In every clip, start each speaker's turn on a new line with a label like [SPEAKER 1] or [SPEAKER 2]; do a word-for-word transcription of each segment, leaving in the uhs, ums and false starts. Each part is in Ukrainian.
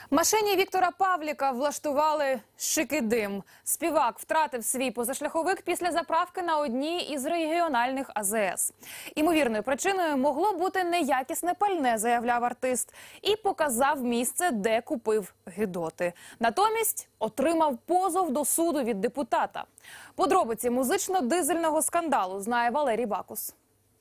[SPEAKER 1] Машині Віктора Павліка влаштували шикидим. Співак втратив свій позашляховик після заправки на одній із регіональних А З С. Імовірною причиною могло бути неякісне пальне, заявляв артист, і показав місце, де купив гидоти. Натомість отримав позов до суду від депутата. Подробиці музично-дизельного скандалу знає Валерій Бакус.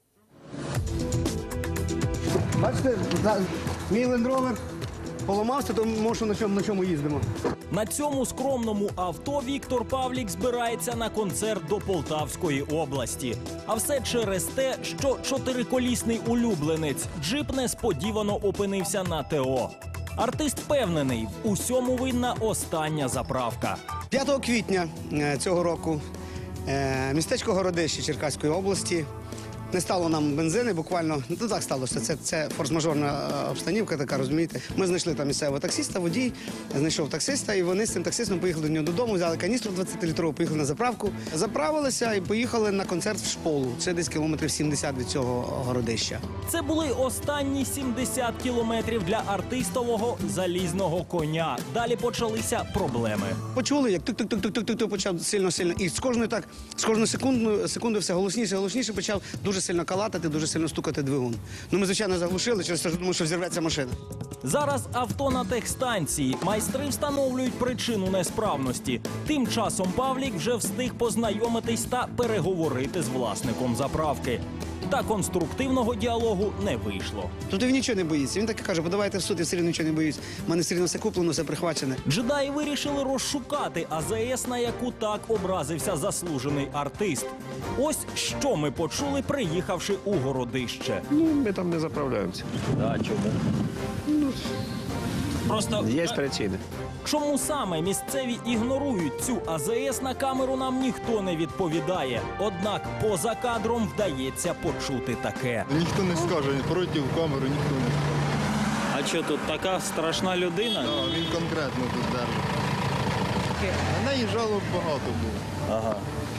[SPEAKER 2] Бачите, мій Land Rover поламався, то може на чому, на чому їздимо.
[SPEAKER 3] На цьому скромному авто Віктор Павлік збирається на концерт до Полтавської області. А все через те, що чотириколісний улюбленець джип несподівано опинився на Т О. Артист впевнений, в усьому винна остання заправка.
[SPEAKER 2] п'ятого квітня цього року містечко Городище Черкаської області. Не стало нам бензини, буквально, ну так сталося, це, це форс-мажорна обстанівка така, розумієте. Ми знайшли там місцевого таксиста, водій, знайшов таксиста, і вони з цим таксистом поїхали до нього додому, взяли каністру двадцятилітрову, поїхали на заправку, заправилися і поїхали на концерт в Шполу. Це десь кілометрів сімдесят від цього Городища.
[SPEAKER 3] Це були останні сімдесят кілометрів для артистового залізного коня. Далі почалися проблеми.
[SPEAKER 2] Почули, як тук-тук-тук-тук-тук почав сильно-сильно, і з кожною так, з кожною секундою, секундою все голосніше, голосніше почав дуже сильно калатати, дуже сильно стукати двигун. Ну, ми, звичайно, заглушили, через те, що думаю, що взірветься машина.
[SPEAKER 3] Зараз авто на техстанції. Майстри встановлюють причину несправності. Тим часом Павлік вже встиг познайомитись та переговорити з власником заправки. Та конструктивного діалогу не вийшло.
[SPEAKER 2] Тут він нічого не боїться. Він так і каже, подавайте в суд, я все рівно нічого не боюсь. У мене все рівно все куплено, все прихвачене.
[SPEAKER 3] Джедаї вирішили розшукати А З С, на яку так образився заслужений артист. Ось що ми почули, приїхавши у Городище.
[SPEAKER 4] Ну, ми там не заправляємося.
[SPEAKER 3] А чому? Ну, просто
[SPEAKER 4] є причини.
[SPEAKER 3] Чому саме місцеві ігнорують цю А З С, на камеру нам ніхто не відповідає. Однак поза кадром вдається почути таке.
[SPEAKER 5] Ніхто не скаже, пройти в камеру ніхто не скаже.
[SPEAKER 3] А що тут така страшна людина?
[SPEAKER 5] Да, він конкретно тут держить. На неї жалоб багато було.
[SPEAKER 6] Ага.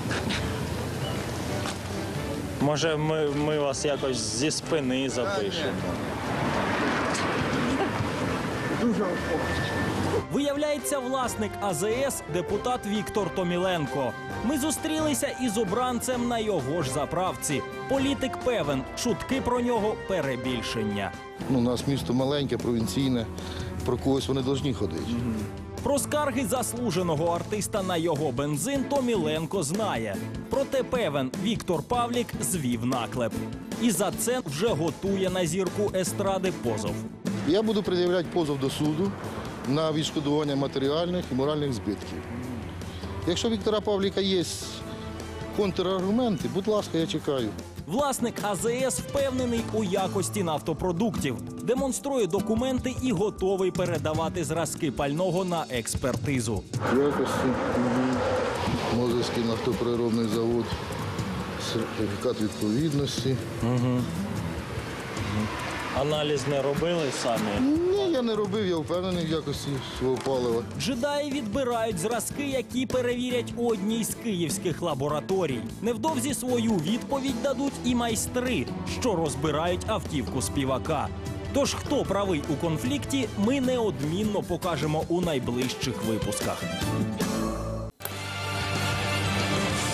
[SPEAKER 6] Може, ми, ми вас якось зі спини запишемо?
[SPEAKER 2] Дуже
[SPEAKER 3] Виявляється, власник А З С – депутат Віктор Томіленко. Ми зустрілися із обранцем на його ж заправці. Політик певен, чутки про нього – перебільшення.
[SPEAKER 7] Ну, у нас місто маленьке, провінційне, про когось вони повинні ходити.
[SPEAKER 3] Про скарги заслуженого артиста на його бензин Томіленко знає. Проте певен, Віктор Павлік звів наклеп. І за це вже готує на зірку естради позов.
[SPEAKER 7] Я буду пред'являти позов до суду на відшкодування матеріальних і моральних збитків. Якщо у Віктора Павліка є контраргументи, будь ласка, я чекаю.
[SPEAKER 3] Власник А З С впевнений у якості нафтопродуктів, демонструє документи і готовий передавати зразки пального на експертизу.
[SPEAKER 7] Якості, Мозирський нафтопереробний завод, сертифікат відповідності.
[SPEAKER 6] Угу. Аналіз не робили самі?
[SPEAKER 7] Ні, я не робив, я впевнений в якості свого палива.
[SPEAKER 3] Джедаї відбирають зразки, які перевірять у одній з київських лабораторій. Невдовзі свою відповідь дадуть і майстри, що розбирають автівку співака. Тож хто правий у конфлікті, ми неодмінно покажемо у найближчих випусках.